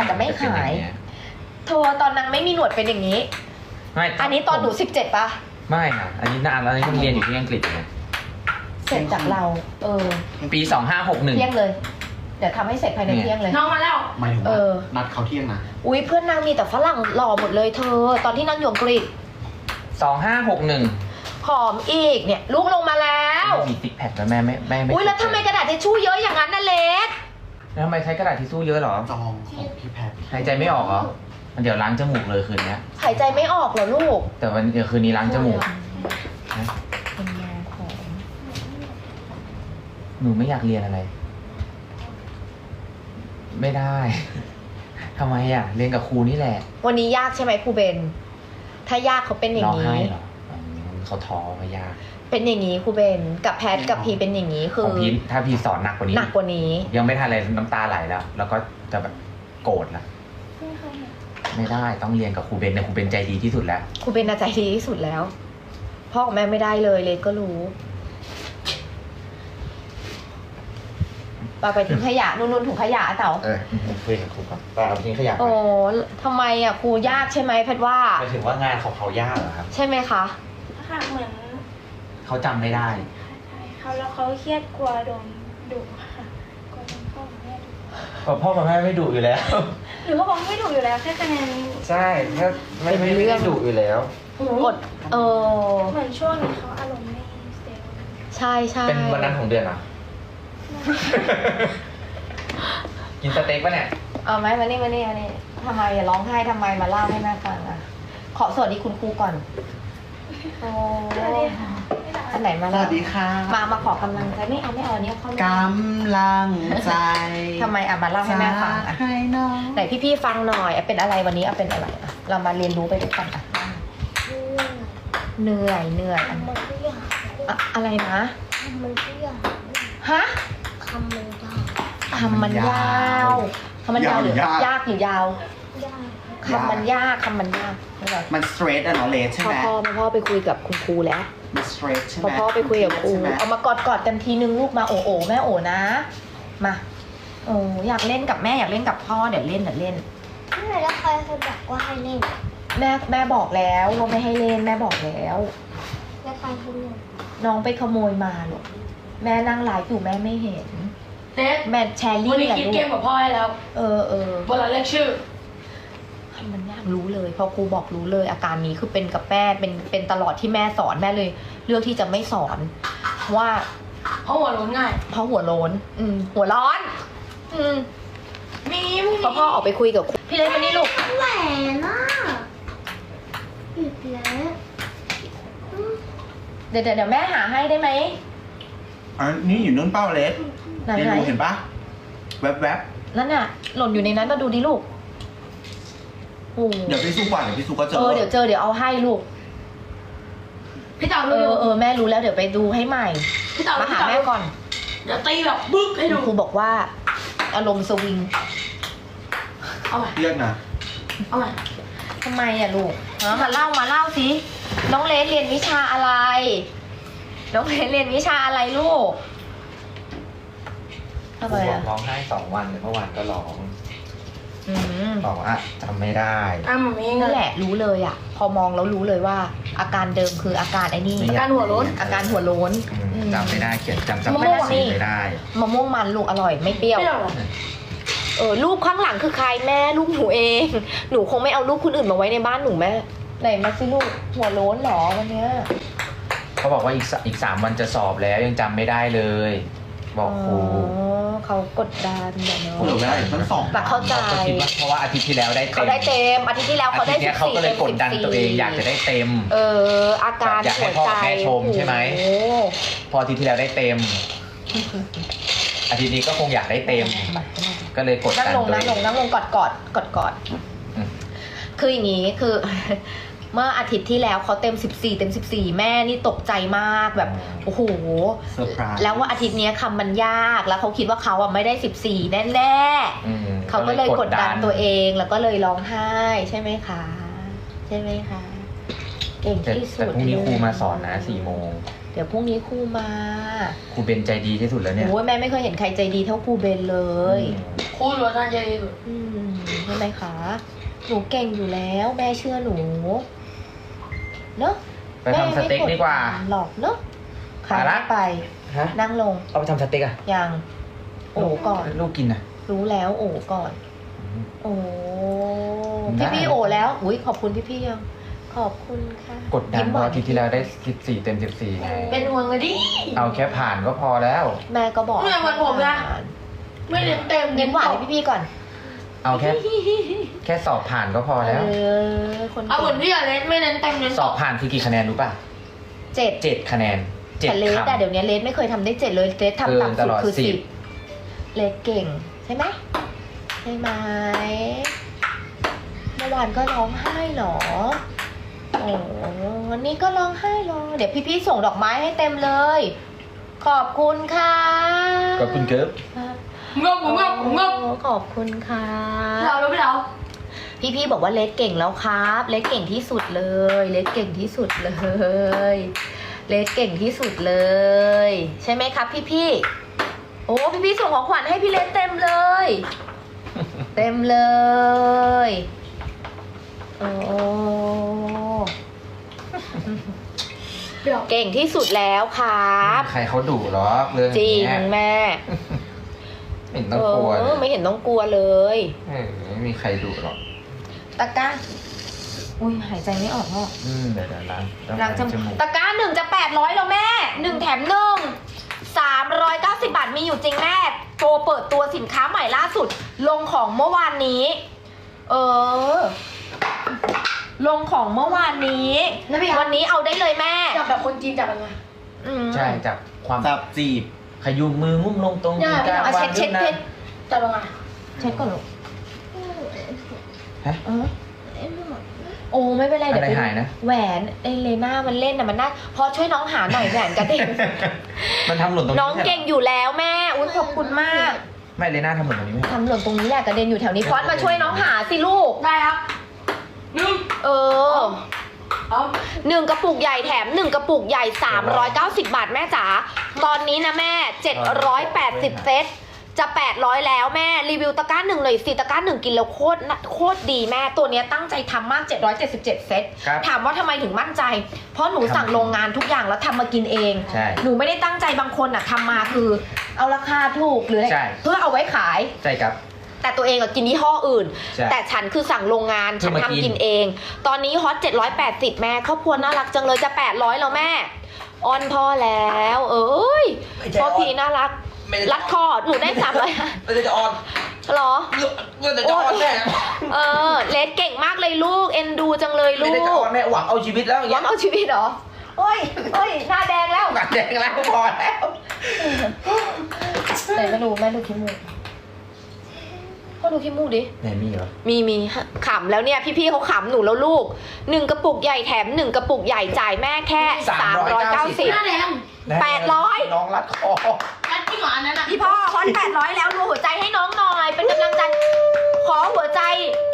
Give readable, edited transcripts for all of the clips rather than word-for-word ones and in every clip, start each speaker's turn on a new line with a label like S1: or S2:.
S1: จะไม่ขายเธอตอนนางไม่มีหนวดเป็นอย่างนี้
S2: ไม่
S1: อันนี้ตอนหนู17ป่ะ
S2: ไม่ค่ะอันนี้นานแล้วอันนี้ต้องเรียนอยู่ที่อังกฤษไง
S1: เสร็จจากเรา
S2: ปี2561
S1: เที่ยงเลย เดี๋ยวทำให้เสร็จภายในเที่ยงเลย
S3: น้องมาแล้ว
S4: หมายถึงว่านัดเขาเที่ยงนะ
S1: อุ้ยเพื่อนนางมีแต่ฝรั่งหล่อหมดเลยเธอตอนที่นางอยู่อังกฤษ
S2: 2561
S1: ผอมอีกเนี่ยลูกลงมาแล้ว
S2: มีติ๊กแพคแล้วแม่ไม่
S1: อุ้ยแล้วทำไมกระดาษทิชชู่เยอะอย่างนั้นน่ะเล็ก
S2: แล้วทำไมใช้กระดาษทิชชู่เยอะหรอ
S4: จองของพี่แพท
S2: หายใจไม่ออกเหรอมันเดี๋ยวล้างจมูกเลยคืนนี้
S1: หายใจไม่ออกเหรอลูก
S2: แต่วันเดี๋ยวคืนนี้ล้างจมูก
S1: เป็นยาของ
S2: หนูไม่อยากเรียนอะไรไม่ได้ทำไมอ่ะเรียนกับครูนี่แหละ
S1: วันนี้ยากใช่ไหมครูเบนถ้ายากเขาเป็นอย่างนี้
S2: ร้องไห้เหรอเขาท้อไม่ยาก
S1: เป็นอย่างนี้ครูเบนกับแพทกับพีเป็นอย่างนี้คือ
S2: ของพีถ้าพีสอนหนักกว่านี้ยังไม่ทันอะไรน้ำตาไหลแล้วก็จะแบบโกรธละไม่ได้ต้องเรียนกับครูเบนเนี่ยครูเบนใจดีที่สุดแล้ว
S1: ครูเบนใจดีที่สุดแล้วพ่อกับแม่ไม่ได้เลยเลนก็รู้ไปทิ้งขยะนู่นถุงขยะเต๋า
S2: คุยกับครูก่อนไปเอาทิ้งขยะ
S1: โอ้ทำไมอ่ะครูยากใช่ไหมแพทว่า
S2: หมายถึงว่างานของเขายากเหรอครับ
S1: ใช่ไหมคะ
S3: ค่ะเหมือน
S2: เขาจำไม่ได้
S3: ใช่เขาแล้วเขาเครียดกลัวโดนดุค่ะกลัวโดนพ่อกับแม่ดุ
S2: พ่อกับแม่ไม่ดุอยู่แล้ว
S3: หรือเขาบอกไม่ดุอยู่แล้วแค่คะแนน
S2: ใช่แค่ไม่ได้ดุอยู่แล้ว
S1: กด
S3: เหมือนช่วงนี้เขาอารมณ์ไม่สเตเบิล
S1: ใช่ใช่
S2: เป็นวันนั้นของเดือนอ่ะกินสเต็กปะเนี่ย
S1: เอาไหมมานี่ทำไมอย่าร้องไห้ทำไมมาเล่าให้แม่ฟังอ่ะขอสวัสดีคุณครูก่อนโอ้อันไหนมา
S4: สวัสดีค่ะ
S1: มาขอกำลังใจไม่เอาเนี่ยเข้าม
S4: ากำลังใจ
S1: ทำไมมาเล่าให้แม่ฟังอ่ะไหนพี่ฟังหน่อยเป็นอะไรวันนี้เป็นอะไรอ่ะเรามาเรียนรู้ไปด้วยกันอ่ะเหนื่อยอะไรนะ
S3: มันก็ยาก
S1: ฮะ
S3: คำมันยาว
S1: คำมันยาวหรือยากหรือยาวคำมันยาก
S4: มันสเตรทอะเนาะเลสใช่ไหม
S1: พ่อไปคุยกับคุณครูแล้ว
S4: มันสเตรทใช่ไหม
S1: พ่อไปคุยกับครูเอามากอดกันทีนึงลูกมาโอแม่โอนะมาอยากเล่นกับแม่อยากเล่นกับพ่อเดี๋ยวเล่น
S3: แล้วใครบอกว่าให้เล่น
S1: แม่บอกแล้วว่าไม่ให้เล่นแม่บอกแล้ว
S3: แล้วใครให้เล่น
S1: น้องไปขโมยมาหรอกแม่นั่งไลฟ์อยู่แม่ไม่เห็นแม่แชร์ลิงก์
S3: วันนี้คิดเกมกับพ่อให้แล้วเวลาเรียกชื่อ
S1: มันยากรู้เลยพอครูบอกรู้เลยอาการนี้คือเป็นกับแม่เป็นตลอดที่แม่สอนแม่เลยเลือกที่จะไม่สอนว่า
S3: เพราะหัวร้อนง่าย
S1: เพราะหัวร้อนหัวร้อนพอพ่อออกไปคุยกับพี่เล็กมานี่ลูก
S3: แหวนน่ะอีกแล้ว
S1: เดี๋ยวแม่หาให้ได้ไหม
S4: นี่อยู่นู่นเป้าเลส
S1: ไหน
S4: เห็นปะแวบ
S1: นั่นน่ะหล่นอยู่ในนั้นมาดูดิลูก
S4: เดี๋ยวพี่สู้ก่อนเดี๋ยวพี่สู้ก็เจ
S1: อเดี๋ยวเดี๋ยวเอาให้ลูก
S3: พี่เต่า
S1: แม่รู้แล้วเดี๋ยวไปดูให้ใหม่
S3: พี่เต่า
S1: มาหาแม่ก่อน
S3: เดี๋ยวตีแบบบึ๊กให้ดู
S1: ครูบอกว่าอารมณ์สวิง
S3: เอาใหม่
S4: เรียกนะ
S3: เอาใหม่
S1: ทำไมอะลูกมาเล่าสิน้องเลสเรียนวิชาอะไรลูกทำไมอะ
S2: ร้องไห้2 วันเมื่อวานก็ร้องบอกว่าจำไม่ได้
S1: นั่นแหละรู้เลยอ่ะพอมองแล้วรู้เลยว่าอาการเดิมคืออาการไอ้นี่
S3: อาการหัวโล้น
S2: จำไม่ได้เขียนจำไม่ได้
S1: มะม่วงมันลูกอร่อยไม่เปรี้ยวรูปข้างหลังคือใครแม่ลูกหนูเองหนูคงไม่เอารูปคนอื่นมาไว้ในบ้านหนูแม่ไหนมาสิลูกหัวโล้นหรอวันเนี้ย
S2: เขาบอกว่าอีก3 วันจะสอบแล้วยังจำไม่ได้เลยบอกครู
S1: เขากดดันเนาะ
S4: ได้ทั้ง2
S1: แต่เข้าใจ
S2: เพราะว่าอาทิตย์ที่แล้วได้เต็ม
S1: เขาได้เต็มอาทิตย์ที่แล้วเขาได้14
S2: เขาก็เลยกดดันตัวเองอยากจะได้เต็ม
S1: อาการ
S2: อยากให้พ่อแม่ชมใช่ไหมพออาทิตย์ที่แล้วได้เต็มอาทิตย์นี้ก็คงอยากได้เต็มก็เลยกดดันตัวเอง
S1: นั่งลงกอดคืออย่างนี้คือเมื่ออาทิตย์ที่แล้วเขาเต็ม14แม่นี่ตกใจมากแบบโอ้โหแล้วว่าอาทิตย์นี้คำมันยากแล้วเขาคิดว่าเขาไม่ได้14แน่เขาก็เลยกดดันตัวเองแล้วก็เลยร้องไห้ใช่ไหมคะเก่งที่สุด
S2: แต่พรุ่งนี้ครูมาสอนนะ4 โมง
S1: เดี๋ยวพรุ่งนี้ครูมา
S2: ครูเบนใจดีที่สุดแล้วเนี่ย
S1: โอ้ยแม่ไม่เคยเห็นใครใจดีเท่าครูเบนเลย
S3: ครูล้วนใจดีสุด
S1: ใช่ช่ไหมคะ หนูเก่งอยู่แล้วแม่เชื่อหนูเนอะ
S2: ไปทำสเต็กดีกว่า
S1: หลอกเนอะขา
S2: มาละ
S1: ไป
S2: ฮะ
S1: นั่งลง
S2: เอาไปทำสเต็กอะ
S1: ยังโอ้ก่อน
S2: ลูกกินอะ
S1: รู้แล้วโอ้ก่อน โอ้
S2: ได้
S1: พี่โอ้แล้วอุ้ยขอบคุณพี่ยังขอบคุณค่ะ
S2: กดดัน
S1: ยิ้ม
S2: เพ
S1: ห
S2: ราะ
S1: วาน
S2: อาทิตย์ที่แล้วได้14เต็ม14ไง
S3: เป็นห่วงเลยดิ
S2: เอาแค่ผ่านก็พอแล้ว
S1: แม่ก็บอก
S3: เหมือนผมนะ ไม่เน้นเต็ม
S1: เน้นหวานให้พี่ก่อน
S2: เอาแค่สอบผ่านก็พอแล้ว
S1: คน
S3: เอาเหมือนพี่อะเน้นไม่เน้นเต็มเน้น
S2: สอบผ่านคือกี่คะแนนรู้ป่ะ
S1: เจ็ด
S2: 7คะแนน
S1: แต่เลส
S2: คำ
S1: แต่เดี๋ยวนี้เลสไม่เคยทำได้เจ็ดเลยเลสทำต่ำ
S2: ต
S1: สุด
S2: ลอด
S1: คือ
S2: 10
S1: 10เลสเก่งใช่ไหมใช่ไหมเมื่อวานก็ร้องไห้เหรอโอ้วันนี้ก็ร้องไห้เหรอเดี๋ยวพี่ๆส่งดอกไม้ให้เต็มเลย ขอบคุณค่ะ
S2: ขอบคุณเกิร์ฟ
S3: งบงบงบ
S1: ขอบคุณค่ะ
S3: เราแล้วไม่เรา
S1: พี่ๆบอกว่าเลสเก่งแล้วครับเลสเก่งที่สุดเลยเลสเก่งที่สุดเลยเลสเก่งที่สุดเลย ใช่ไหมครับพี่ๆโอ้พี่ๆส่งของขวัญให้พี่เลสเต็มเลย เต็มเลยโอ้เก่งที่สุดแล้วครับ
S2: ใครเขาดุหรอเรื่อง
S1: จริง
S2: เนี้ย
S1: แม่
S2: ไม่เห็นต้องกลัวเลย
S1: ไม่เห็นต้องกลัวเลย
S2: ไม่มีใครดุหรอก
S1: ตะกร้าอุ้ยหายใจไม่ออกพ่อ
S2: เดี๋ยวล้าง
S1: ล้างจ
S2: จ
S1: มู
S2: มู
S1: ก
S2: ก
S1: ตะกร้า1จะ800แล้วแม่1แถม1 390 บาทมีอยู่จริงแม่โปรเปิดตัวสินค้าใหม่ล่าสุด ลงของเมื่อวานนี้ ลงของเมื่อวานนี้
S3: แล้วพี่
S1: วันนี้เอาได้เลยแม่
S3: จับแบบคนจีนจับยังไง
S1: อืม
S2: ใช่จากความ
S4: จับจีบ
S2: ขยุมมืองุ้มลงตรง
S3: ได้
S2: กลาง
S1: เอา
S2: วา
S1: เช็
S2: ง
S1: ด
S2: ขึ้นนะ
S3: จับยังไง
S1: เช็ดก่อนลูก
S2: ฮะ
S1: โอ้ไม่เป็นไร
S2: อะ
S1: เดี๋ยว
S2: ไร
S1: ไป
S2: หายนะ
S1: แหวนไอเลน่ามันเล่นนะมันน่าพอช่วยน้องหาหน่อยแหวนกระเด็น
S2: มันทำหล่นตรงนี้
S1: น้องเก่งอยู่แล้วแม่อุ้ยขอบคุณมาก
S2: ไม่เลยหน้าทำหล่นตรงนี้ไหม
S1: ทำหล่นตรงนี้แหละกระเด็นอยู่แถวนี้ฟอนต์มาช่วยน้องหาสิลูก
S3: ได้ครับหนึ่ง
S1: เออ
S3: เอา
S1: 1 กระปุกใหญ่แถม 1 กระปุกใหญ่ 390 บาทแม่จ๋าตอนนี้นะแม่ 780 เซตจะ 800 แล้วแม่รีวิวตะกร้า1หน่อยสิตะกร้า1กินแล้วโคตรดีแม่ตัวเนี้ยตั้งใจทำมาก 777 เซต
S2: ครับ
S1: ถามว่าทำไมถึงมั่นใจ เพราะหนูสั่งโรงงานทุกอย่างแล้วทำมากินเอง
S2: ใช่
S1: หนูไม่ได้ตั้งใจบางคนอะทำมาคือเอาราคาถูกหรืออะไร
S2: ใช่
S1: เพื่อเอาไว้ขาย
S2: ใช่ครับ
S1: แต่ตัวเองอะกินยี่ห้ออื่น
S2: ใช่
S1: แต่ฉันคือสั่งโรงงาน
S2: เพื่
S1: ฉั
S2: อน มา
S1: ทำ
S2: กิน
S1: กินเอง ตอนนี้ฮอต780แม่ครอบครัวน่ารักจังเลยจะ800แล้วแม่อ้อนพ่อแล้ว เอ้ยพ่อพีน่ารักรัดคอหนูได้300
S2: ไม่ได้จะออน
S1: หรอ
S2: เงินแต่จะออนแม่
S1: เลสเก่งมากเลยลูกเอ็นดูจังเลยลู
S2: ไม่
S1: ก
S2: ได้จะออนแม่หวังเอาชีวิตแล้วอย่าง
S1: หวั
S2: เงี้
S1: ง
S2: ย
S1: เอาชีวิตเหรอโอ้ยหน้าแดงแล้ว
S2: หนักแดงแล้วพอแล้ว
S1: ไหนมาดูแม่ดูขี้มูกพ่อดูขี้มูกดิ
S2: ไหนมีเหรอ
S1: มีขำแล้วเนี่ยพี่ๆเขาขำหนูแล้วลูก1 กระปุกใหญ่แถม1 กระปุกใหญ่จ่ายแม่แค่390
S3: หน้าแดง
S1: 800
S2: น้องรัดคอ
S3: แล้วที่หมาอันนั้นอ่ะ
S1: พี่พ่อฮอต800แล้วดูหัวใจให้น้องหน่อยเป็นกำลังใจขอหัวใจ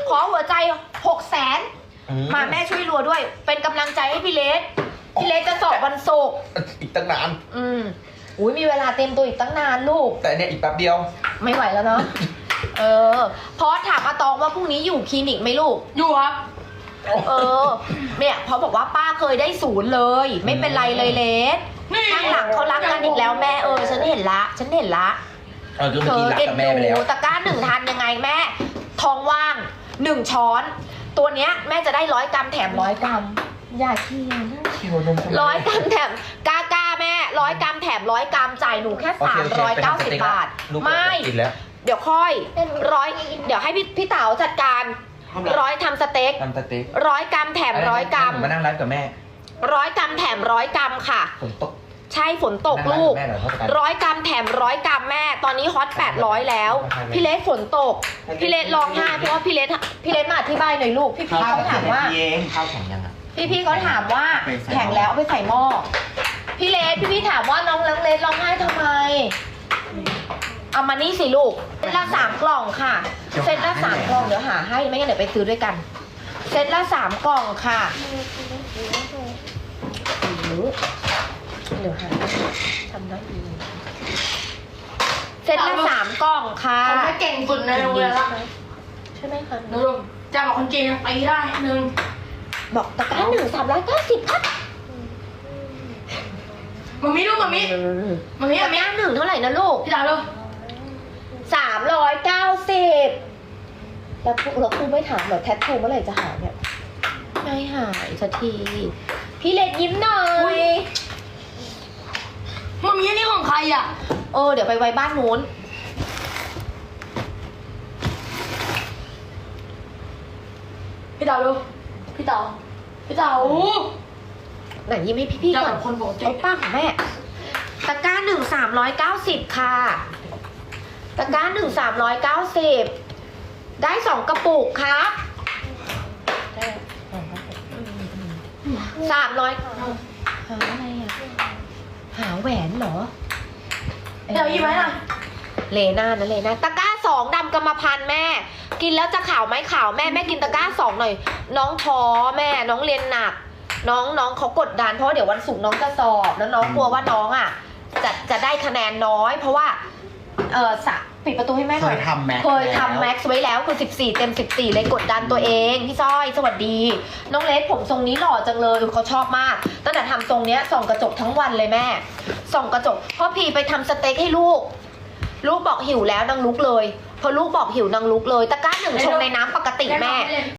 S1: 600,000มาแม่ช่วยรัวด้วย เป็นกำลังใจให้พี่เลสจะสอบวันศุกร์
S2: อีกตั้งนาน
S1: อุ้ยมีเวลาเต็มตัวอีกตั้งนานลูก
S2: แต่เนี่ยอีกแป๊บเดียว
S1: ไม่ไหวแล้วเนาะพอถามอาตองว่าพรุ่งนี้อยู่คลินิกไหมลูก
S3: อยู่ครับ
S1: เนี่ยเพราะบอกว่าป้าเคยได้0เลย ไม่เป็นไรเลยเลสข้างหลังเขารักกันอีกแล้วแม่ฉันเห็นละคือเมื่อกี้รักกับแม่ไปแล้วตะกร้า1ทานยังไงแม่ท้องว่าง1 ช้อน ตัวเนี้ยแม่จะได้100 กรัมแถม100 กรัมอย่าเคียน 100 กรัมแถมกล้าแม่100 กรัมแถม100 กรัมจ่ายหนูแค่390 บาทไม่เดี๋ยวค่อยเดี๋ยวให้พี่เต๋าจัดการทำสเต็ก100 กรัมแถม100 กรัม
S2: มานั่งไลฟ์กับแม่
S1: 100 กรัมแถม100 กรัมค่ะ
S2: ฝนตก
S1: ใช่ฝนตกลูก100 กรัมแถม100 กรัมแม่ตอนนี้ฮอต800แล้วพี่เลสฝนตกพี่เลสร้องไห้เพราะว่าพี่เลสมาอธิบายหน่อยลูกพี่เขาถามว่า
S2: ข้าวแข็งยังอ่ะ
S1: พี่เขาถามว่าแข็งแล้วเอาไปใส่หม้อพี่เลสพี่ถามว่าน้องเลสร้องไห้ทำไมเอามานี่สิลูกเซตละ3 กล่องค่ะเซตละ3 กล่องเดี๋ยวหาให้ไม่งั้นเดี๋ยวไปซื้อด้วยกันเซตละ3 กล่องค่ะเดี๋ยวหาทำได้ดีเซตละ3 กล่องค่ะ
S3: ผมไม่เก่งสุดในโรงเรียนละ
S1: ใช่ไหมคะ
S5: หนูจะบอกคนจีนตีได้หนึ่ง
S1: บอกตะกร้า1 390ครับ
S5: มามิลูกมามิ
S1: ตะกร้า1เท่าไหร่นะลูก
S5: พี่ดาวลูก
S1: 390แล้วครูไม่ถามเหรอแทททูเมื่อไหร่จะหายเนี่ยไม่หายสักทีพี่เล็กยิ้มหน่อย
S5: มามิอันนี้ของใครอ่ะ
S1: เดี๋ยวไปไว้บ้านนู้น
S5: พี่ดาวลูกพี่ดาว
S1: ไหนยิ้มให้พี่ๆก่อน
S5: คนปกติ
S1: เอาป้าของแม่ตะกร้า390ค่ะตะกร้า390ได้2กระปุกครับ300หาอะไรอ่ะหาแหวนเหรอ
S5: เดี๋ยวยิ้มไหมล่ะ
S1: เลน่านะเลน่าตะกร้า2ดำกรรมพันธุ์แม่ กินแล้วจะขาวไหมขาวแม่กินตะกร้า2หน่อยน้องท้อแม่น้องเรียนหนักน้องเขากดดันเพราะเดี๋ยววันศุกร์น้องจะสอบแล้วน้องกลัวว่าน้องอ่ะจะได้คะแนนน้อย เพราะว่าปิดประตูให้แม่หน่อย
S4: เคยทำแม็กซ์
S1: เคยทำแม็กซ์ไว้แล้วคือ14เต็ม14เลยกดดันตัวเองพี่สร้อยสวัสดีน้องเล็กผมทรงนี้หล่อจังเลยเขาชอบมากตั้งแต่ทำทรงเนี้ยส่องกระจกทั้งวันเลยแม่ส่องกระจกพ่อพีไปทำสเต็กให้ลูกบอกหิวแล้วนางลุกเลยพอลูกบอกหิวนางลุกเลยตะกร้า1ชงในน้ำปกติแม่